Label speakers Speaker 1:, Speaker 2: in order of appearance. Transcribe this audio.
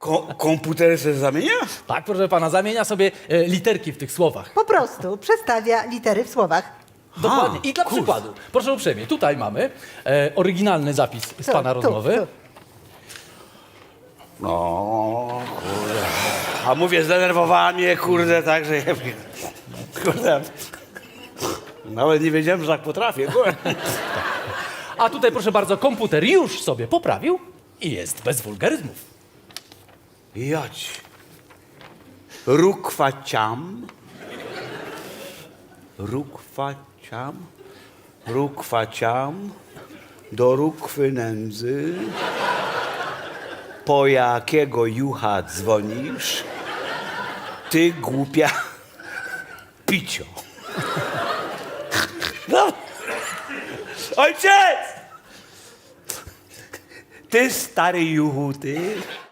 Speaker 1: Komputer się zamienia?
Speaker 2: Tak, proszę pana, zamienia sobie literki w tych słowach.
Speaker 3: Po prostu przestawia litery w słowach.
Speaker 2: Dokładnie. I dla przykładu, proszę uprzejmie, tutaj mamy oryginalny zapis z
Speaker 3: Tu,
Speaker 2: pana
Speaker 3: tu,
Speaker 2: rozmowy.
Speaker 3: tu.
Speaker 1: No, kurde. A mówię, zdenerwowała mnie, kurde, tak, że... Kurde. Nawet nie wiedziałem, że tak potrafię, kurde.
Speaker 2: A tutaj, proszę bardzo, komputer już sobie poprawił i jest bez wulgaryzmów.
Speaker 1: Jać. Rukwaciam. Rukwaciam. Rukwaciam. Do rukwy nędzy. Po jakiego jucha dzwonisz? Ty głupia picio. No. Ojciec! Ty stary juchu, ty.